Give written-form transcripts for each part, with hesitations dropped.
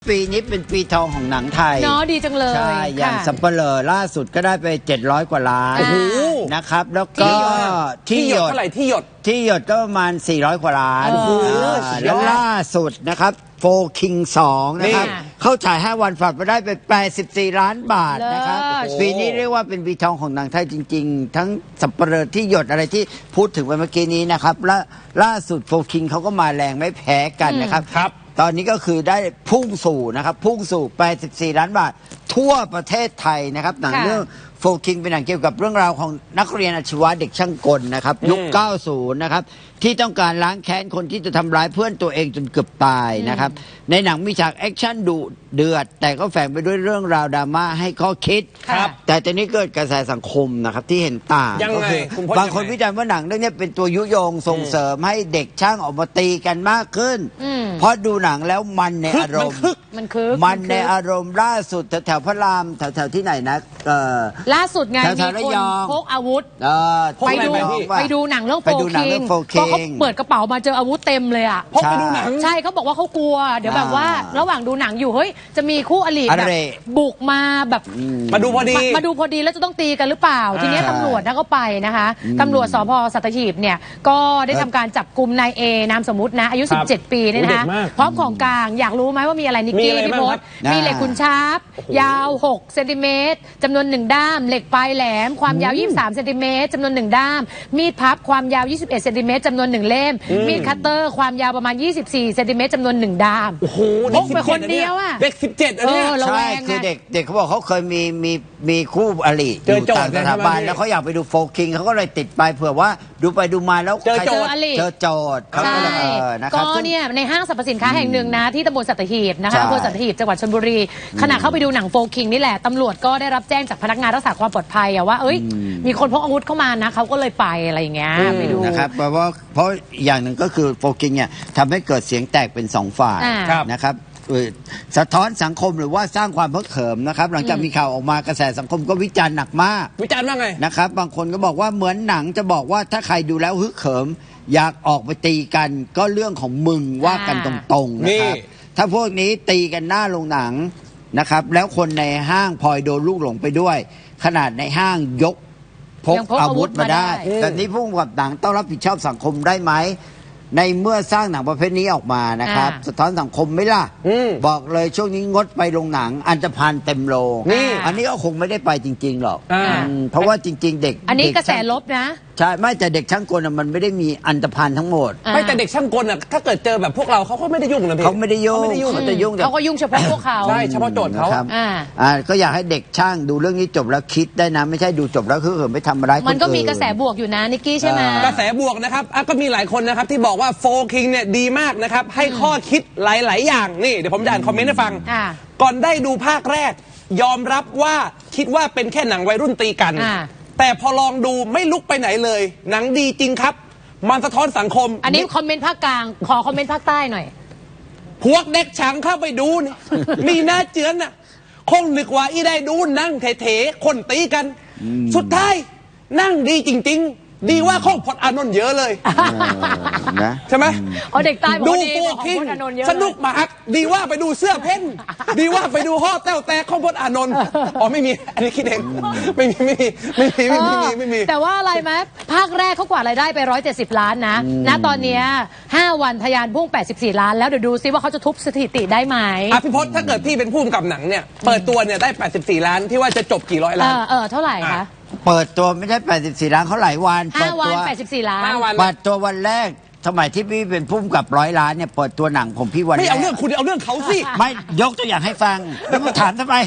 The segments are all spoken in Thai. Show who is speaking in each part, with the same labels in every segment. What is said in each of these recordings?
Speaker 1: ปีนี้เป็นปีทองของหนังไทย
Speaker 2: เนาะดีจังเลย
Speaker 1: ใช่อย่างสัมเปลอล่าสุดก็ได้ไป700 กว่าล้านนะครับแล้วก็
Speaker 3: ที่หยดเท่าไหร่ที่หยด
Speaker 1: ก็ประมาณ400 กว่าล้านแล้วล่าสุดนะครับโฟคิง2นะครับเข้าฉาย5 วันฝากไปได้เป็น84 ล้านบาทนะครับปีนี้เรียกว่าเป็นปีทองของหนังไทยจริงๆทั้งสัมเปลอที่หยดอะไรที่พูดถึงไปเมื่อกี้นี้นะครับและล่าสุดโฟคิงเขาก็มาแรงไม่แพ้กันนะครับตอนนี้ก็คือได้พุ่งสู่84 ล้านบาททั่วประเทศไทยนะครับหนังเรื่องโฟคิงเป็นหนังเกี่ยวกับเรื่องราวของนักเรียนอาชีวะเด็กช่างกลนะครับยุค 90 นะครับที่ต้องการล้างแค้นคนที่จะทำร้ายเพื่อนตัวเองจนเกือบตายนะครับในหนังมีฉากแอคชั่นดุเดือดแต่ก็แฝงไปด้วยเรื่องราวดราม่าให้ข้อคิดแต่ตอนนี้เกิดกระแสสังคมนะครับที่เห็นต่างก็คือบางคนวิจารณ์ว่าหนังเรื่องนี้เป็นตัวยุยงส่งเสริมให้เด็กช่างออกมาตีกันมากขึ้นเพราะดูหนังแล้วมันในอารมณ์มันในอารมณ์ล่าสุดแถวพระรามแถวที่ไหนนะ
Speaker 2: ล่าสุดไงมีคนพกอาวุธไปดูหนังเรื่องโฟคิงก็เขาเปิดกระเป๋ามาเจออาวุธเต็มเลยอ่ะ
Speaker 3: พกไปดูหนัง
Speaker 2: ใช่เขาบอกว่าเขากลัวเดี๋ยวแบบว่าระหว่างดูหนังอยู่เฮ้ยจะมีคู่อริแบบบุกมาแบบ
Speaker 3: มาดูพอดี
Speaker 2: แล้วจะต้องตีกันหรือเปล่าทีนี้ตำรวจก็ไปนะคะตำรวจสพสัตหีบเนี่ยก็ได้ทำการจับกลุ่มนายเอนามสมมุตินะอายุ17 ปีเนี่ยนะคะพร้อมของกลางอยากรู้ไหมว่ามีอะไรนิกกี้พี่พศมีเหล็กขุนชาร์ปยาว6 เซนติเมตรจำนวน1 ด้ามเหล็กปลายแหลมความยาว23 เซนติเมตรจำนวน1 ด้ามมีดพับความยาว21 เซนติเมตรจำนวน1 เล่มมีดคัตเตอร์ความยาวประมาณ24 เซนติเมตรจำนวน1 ด้ามพกไปคนเดียวอ่ะ
Speaker 3: เด็ก17อันนี้
Speaker 1: ใช่คือเด็กเขาบอกเขาเคยมีคู่อริอยู่ต่างสถาบันแล้วเขาอยากไปดูโฟคิงเขาก็เลยติดไปเผื่อว่าดูไปดูมาแล้ว
Speaker 2: เจอ
Speaker 1: โจทย์
Speaker 2: ใช่ก็เนี่ยในห้างสรรพสินค้าแห่งหนึ่งนะที่ตำบลสัตหีบนะคะอำเภอสัตหีบจังหวัดชลบุรีขณะเข้าไปดูหนังโฟคิงนี่แหละตำรวจก็ได้รับแจ้งจากพนักงานรักษาความปลอดภัยว่าเอ้ยมีคนพกอาวุธเข้ามานะเขาก็เลยไปอะไรอย่างเงี้ยไปดู
Speaker 1: นะครับเพราะอย่างหนึ่งก็คือโฟกิงเนี่ยทำให้เกิดเสียงแตกเป็น2 ฝ่ายนะครับสะท้อนสังคมหรือว่าสร้างความเพิกเขิมนะครับหลังจากมีข่าวออกมากระแสสังคมก็วิจารณ์หนักมาก
Speaker 3: วิจารณ์ว่าไง
Speaker 1: นะครับบางคนก็บอกว่าเหมือนหนังจะบอกว่าถ้าใครดูแล้วฮึกเขิมอยากออกไปตีกันก็เรื่องของมึงว่ากันตรงๆนะครับถ้าพวกนี้ตีกันหน้าโรงหนังนะครับแล้วคนในห้างพลอยโดนลูกหลงไปด้วยขนาดในห้างยกพกอาวุธมาได้แบบนี้ผู้กำกับหนังต้องรับผิดชอบสังคมได้ไหมในเมื่อสร้างหนังประเภทนี้ออกมานะครับสะท้อนสังคมไหมล่ะบอกเลยช่วงนี้งดไปโรงหนังอันธพาลเต็มโรงอันนี้ก็คงไม่ได้ไปจริงๆหรอกเพราะว่าจริงๆเด็ก
Speaker 2: อันนี้กระแสลบนะ
Speaker 1: ใช่ไม่แต่เด็กช่างกลมันไม่ได้มีอันธพาลทั้งหมด
Speaker 3: ไม่แต่เด็กช่างกลถ้าเกิดเจอแบบพวกเราเขาก็ไม่ได้ยุ่งนะพี่
Speaker 1: เขาไม่ได้ยุ่งเขาจะยุ่ง
Speaker 2: เขาก็ยุ่งเฉพาะพวกเขา
Speaker 3: ใช่เฉพาะโจทย์เขา
Speaker 1: ก็อยากให้เด็กช่างดูเรื่องนี้จบแล้วคิดได้นะไม่ใช่ดูจบแล้วคือไม่ทำร้ายคนอื่น
Speaker 2: มันก็มีกระแสบวกอยู่นะนิกกี้ใช่ไหม
Speaker 3: กระแสบวกนะครับก็มีหลายคนนะครับที่บอกว่าโฟคิงเนี่ยดีมากนะครับให้ข้อคิดหลายๆอย่างนี่เดี๋ยวผมจะอ่านคอมเมนต์ให้ฟังก่อนได้ดูภาคแรกยอมรับว่าคิดว่าเป็นแค่หนังวัยรุ่นตีกันแต่พอลองดูไม่ลุกไปไหนเลยหนังดีจริงครับมันสะท้อนสังคม
Speaker 2: อันนี้คอมเมนต์ภาคกลางขอคอมเมนต์ภาคใต้หน่อย
Speaker 3: พวกเด็กช่างเข้าไปดูนี่มีหน้าเจือนน่ะคงนึกว่าอีได้ดูนั่งเถๆคนตีกันสุดท้ายนั่งดีจริงๆดีว่าข้องพจน์อานนท์เยอะเลย
Speaker 1: นะ
Speaker 3: ใช่ไหม
Speaker 2: เด็กใต้
Speaker 3: ดูโฟคิงสนุกมากดีว่าไปดูเสื้อเพ่นดีว่าไปดูห่อแต้วแต่ข้องพจน์อานนท์ไม่มีอันนี้คิดเองไม่มี
Speaker 2: แต่ว่าอะไรไหมภาคแรกเขากวาดรายได้ไป170 ล้านนะตอนนี้5 วันทะยานพุ่ง84 ล้านแล้วเดี๋ยวดูซิว่าเขาจะทุบสถิติได้ไหม
Speaker 3: พี่พศถ้าเกิดพี่เป็นผู้กำกับหนังเนี่ยเปิดตัวเนี่ยได้84 ล้านที่ว่าจะจบกี่ร้อยล้าน
Speaker 2: เท่าไหร่คะ
Speaker 1: เปิดตัวไม่ใช่84 ล้านเขาหลายวัน
Speaker 2: 5 วัน84 ล้าน
Speaker 1: เปิดตัววันแรกสมัยที่พี่เป็นผู้กำกับ100 ล้านเนี่ยเปิดตัวหนังผมพี่วัน
Speaker 3: ไม่เอาเรื่องคุณเอาเรื่องเขาสิ
Speaker 1: ไม่ยกตัวอย่างให้ฟังแล้วมาถามทำไม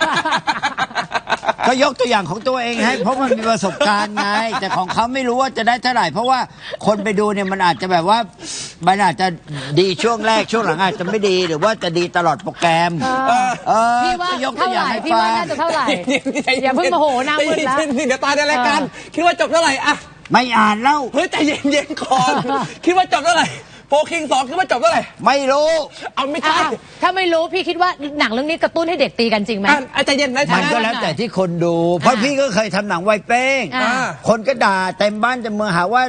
Speaker 1: ก็ยกตัวอย่างของตัวเองให้เพราะมันมีประสบการณ์ไงแต่ของเขาไม่รู้ว่าจะได้เท่าไหร่เพราะว่าคนไปดูเนี่ยมันอาจจะแบบว่ามันอาจจะดีช่วงแรกช่วงหลังอาจจะไม่ดีหรือว่าจะดีตลอดโปรแกรม
Speaker 2: พี่ว่ายกตัวอย่างให้ฟังพี่ว่าน่าจะเท่าไหร่อย่าเพิ่งโมโหหน้ามืดนะ
Speaker 3: เดี๋ยวตายในรายการคิดว่าจบเท่าไหร่อะ
Speaker 1: ไม่อ่านแล้ว
Speaker 3: เฮ้ยใจเย็นๆก่อนคิดว่าจบเท่าไหร่โฟคิง2คิดว่าจบเท่าไหร่
Speaker 1: ไม่รู้
Speaker 3: เอาไม่ใช่
Speaker 2: ถ้าไม่รู้พี่คิดว่าหนังเรื่องนี้กระตุ้นให้เด็กตีกันจริงไหม
Speaker 3: ใจเย็นนะ
Speaker 1: มันก็แล้วแต่ที่คนดูเพราะพี่ก็เคยทำหนังวัยเป้งคนก็ด่าเต็มบ้านเต็มเมืองหาว่า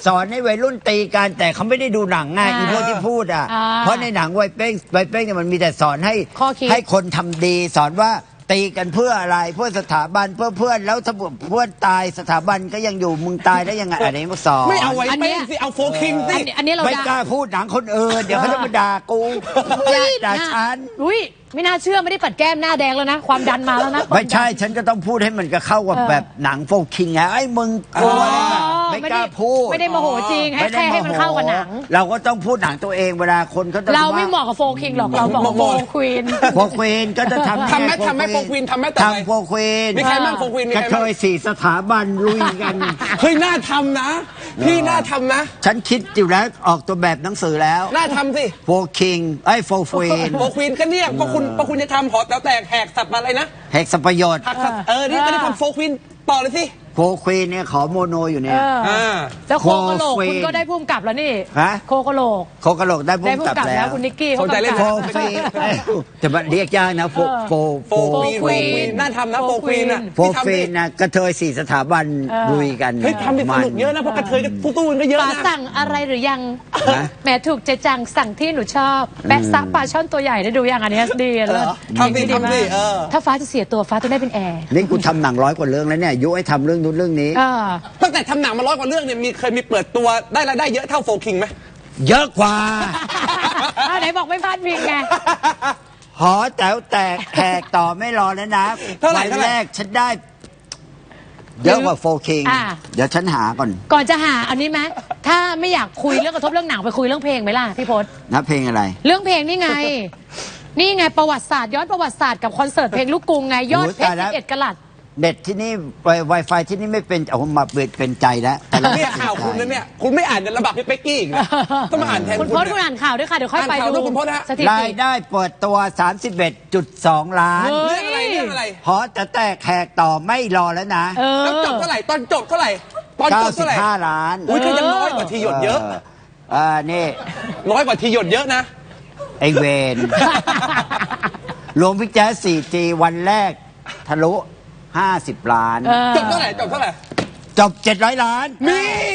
Speaker 1: สอนให้วัยรุ่นตีกันแต่เขาไม่ได้ดูหนังไงอีพวกที่พูดอ่ะเพราะในหนังวัยเป้งเนี่ยมันมีแต่สอนให้คนทำดีสอนว่าตีกันเพื่ออะไรเพื่อสถาบันเพื่อเพื่อนแล้วถ้าเพื่อนตายสถาบันก็ยังอยู่มึงตายได้ยังไงอันนี้มาสอน
Speaker 3: ไม่เอาไว้เป้งสิเอาโฟคิงสิ
Speaker 2: อันนี้เรา
Speaker 1: ไม่กล้าพูดหนังคนอื่นเดี๋ยวเขาจะมาด่ากูด่าฉัน
Speaker 2: อุ้ยไม่น่าเชื่อไม่ได้ปัดแก้มหน้าแดงแล้วนะความดันมาแล้วนะ
Speaker 1: ไม่ใช่ฉันก็ต้องพูดให้มันก็เข้ากับแบบหนังโฟคิงไงไอ้มึงกลัวอะไรแบบไม่กล้าพูด
Speaker 2: ไม่ได้โมโหจริงให้แค่ให้มันเข้ากับหนัง
Speaker 1: เราก็ต้องพูดหนังตัวเองเวลาคนเขาจะ
Speaker 2: เราไม่เหมาะกับโฟคิงหรอกเราเหมาะกับโฟควีน
Speaker 1: โฟควีนก็จะทำ
Speaker 3: ทำไหมโฟควีนทำไหมต่อไป
Speaker 1: ทำโฟควีน
Speaker 3: มีใครบ้างโฟควีนมี
Speaker 1: ก
Speaker 3: ใค
Speaker 1: ระ
Speaker 3: ร
Speaker 1: เท
Speaker 3: บ้าง
Speaker 1: ย4 สถาบันลุยกัน
Speaker 3: เฮ้ยน่าทำนะ พี่น่าทำนะ
Speaker 1: ฉันคิดอยู่แล้วออกตัวแบบหนังสือแล้ว
Speaker 3: น่าทำสิ
Speaker 1: โฟคิงไอ้โฟควีน
Speaker 3: โฟควีนก็เนี่ยก็คุณจะทำหอแต๋วแตกแหกสับอะไรนะ
Speaker 1: แหกสัมประโยชน์
Speaker 3: หักสับนี่ก็ได้ทำโฟควีนต่อเลยสิ
Speaker 1: โฟควีนเนี่ยขอโมโนอยู่เนี่ย
Speaker 2: แล้วโคกะโหลกคุณก็ได้พุ่มกลับแล้วนี่
Speaker 1: ฮะ
Speaker 2: โคกะโหลก
Speaker 1: โคกะโหลกได้พุ่
Speaker 2: ได้
Speaker 1: ม
Speaker 2: พุ่
Speaker 1: ก
Speaker 2: ม
Speaker 1: ลับ
Speaker 2: กลับ
Speaker 1: แล้
Speaker 2: แล้ว
Speaker 1: ว
Speaker 2: คุณนิกกี้
Speaker 3: สนใจเล่น
Speaker 1: โฟ
Speaker 2: กำกับ
Speaker 1: ควีนแต่มันเรียกยากนะโฟ
Speaker 3: โฟควีนน่าทำนะโฟควีนอ่ะ
Speaker 1: โฟควีนนะกระเทย4 สถาบันลุยกัน
Speaker 3: เฮ้ยทำดิสนุกเยอะนะเพราะกระเทยก็ตู้มันก็เยอะ
Speaker 2: ป๋า
Speaker 3: นะ
Speaker 2: สั่งอะไรหรือยัง
Speaker 1: ฮะ
Speaker 2: แหมถูกใจจังสั่งที่หนูชอบแปะซะปลาช่อนตัวใหญ่ได้ดูยังอันนี้ดีเลย
Speaker 3: ทำสิทำสิ
Speaker 2: ถ้าฟ้าจะเสียตัวฟ้าต้องได้เป็นแอร์
Speaker 1: นี่กูทำหนัง100 กว่าเรื่องแล้วเนี่ยยุให้ทำเรื่องนู้นเรื่องนี้
Speaker 3: ตั้งแต่ทำหนังมา100 กว่าเรื่องเนี่ยเคยมีเปิดตัวได้รายได้เยอะเท่าโฟคิงไหม
Speaker 1: เยอะกว่า
Speaker 2: ไหนบอกไม่พลาดพิงไง
Speaker 1: หอแต๋วแตกแขกต่อไม่รอแล้วนะ
Speaker 3: เท่าไหร่
Speaker 1: วันแรกฉันได้ เยอะกว่าโฟคิงเดี๋ยวฉันหาก่อน
Speaker 2: ก่อนจะหาอันนี้ไหมถ้าไม่อยากคุยเรื่องกระทบเรื่องหนังไปคุยเรื่องเพลงไหมล่ะพี่พศ
Speaker 1: นะเพลงอะไร
Speaker 2: เรื่องเพลงนี่ไง นี่ไงประวัติศาสตร์ย้อนประวัติศาสตร์กับคอนเสิร์ตเพลงลูกกรุงไงยอดเพชร11 กะรัต
Speaker 1: เน็ตที่นี่ Wi-Fi ที่นี่ไม่เป็นเอามาเป็นใจแล้วแต่เรา
Speaker 3: เนี่ยข่าวคุณนะเนี่ยคุณไม่อ่านในระบาดพี่เป๊กกี้อีกนะต้องมาอ่านแทน
Speaker 2: คุณพศคุณอ่านข่าวด้วยค่ะ เดี๋ยวค่อยไป
Speaker 3: อ่านข่าว
Speaker 2: ดู
Speaker 3: ด้วยคุณพศฮะ
Speaker 2: สถิ
Speaker 1: รา
Speaker 2: ติ
Speaker 1: ยได้เปิดตัว 31.2 ล้าน
Speaker 2: เฮ้ย
Speaker 3: เรื่องอะไร
Speaker 1: หอแต่แตกแขกต่อไม่รอแล้วนะ
Speaker 3: แล้วจบเท่าไหร่ตอนจบเท่าไหร่ตอนจบเท่าไหร่
Speaker 1: 95 ล้าน
Speaker 3: อุ้ยก็ยังน้อยกว่าทีหยดเยอะ
Speaker 1: นี่
Speaker 3: น้อยกว่าทีหยดเยอะนะ
Speaker 1: ไอเวน รวมพิกแจ๊ส 4G วันแรกทะลุ 50 ล้าน
Speaker 3: จบเท่าไหร่จบเท่าไหร่
Speaker 1: จบ 700 ล้าน
Speaker 3: นี่